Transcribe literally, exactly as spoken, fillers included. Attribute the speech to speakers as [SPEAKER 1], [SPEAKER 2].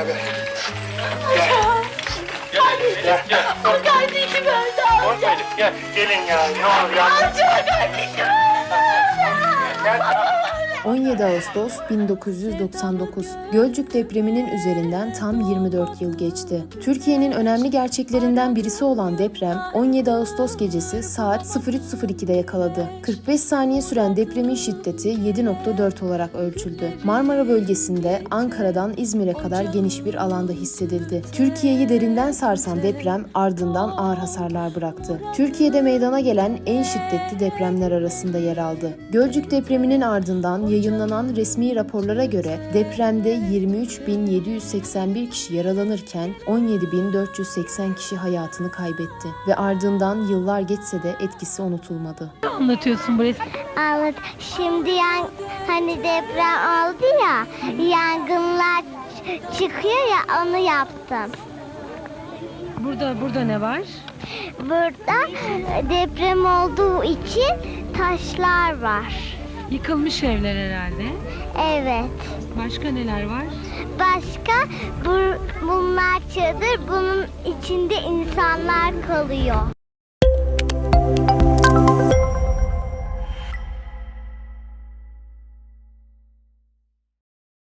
[SPEAKER 1] beraber. Gel. Gel. Gel.
[SPEAKER 2] O kardeşim öldü amca.
[SPEAKER 1] Korkmayın. Gel. Gelin ya. Ne olur ya.
[SPEAKER 2] Amca kardeşim öldü.
[SPEAKER 1] Gel.
[SPEAKER 3] on yedi Ağustos bin dokuz yüz doksan dokuz. Gölcük depreminin üzerinden tam yirmi dört yıl geçti. Türkiye'nin önemli gerçeklerinden birisi olan deprem on yedi Ağustos gecesi saat sıfır üç sıfır iki'de yakaladı. kırk beş saniye süren depremin şiddeti yedi nokta dört olarak ölçüldü. Marmara bölgesinde Ankara'dan İzmir'e kadar geniş bir alanda hissedildi. Türkiye'yi derinden sarsan deprem ardından ağır hasarlar bıraktı. Türkiye'de meydana gelen en şiddetli depremler arasında yer aldı. Gölcük depreminin ardından yayınlanan resmi raporlara göre depremde yirmi üç bin yedi yüz seksen bir kişi yaralanırken on yedi bin dört yüz seksen kişi hayatını kaybetti ve ardından yıllar geçse de etkisi unutulmadı.
[SPEAKER 4] Ne anlatıyorsun bu resmi?
[SPEAKER 5] Anlat. Şimdi yan, hani deprem oldu ya, yangınlar ç- çıkıyor ya, onu yaptım.
[SPEAKER 4] Burada burada ne var?
[SPEAKER 5] Burada deprem olduğu için taşlar var.
[SPEAKER 4] Yıkılmış evler herhalde.
[SPEAKER 5] Evet.
[SPEAKER 4] Başka neler var?
[SPEAKER 5] Başka bu, bunlar çadır, bunun içinde insanlar kalıyor.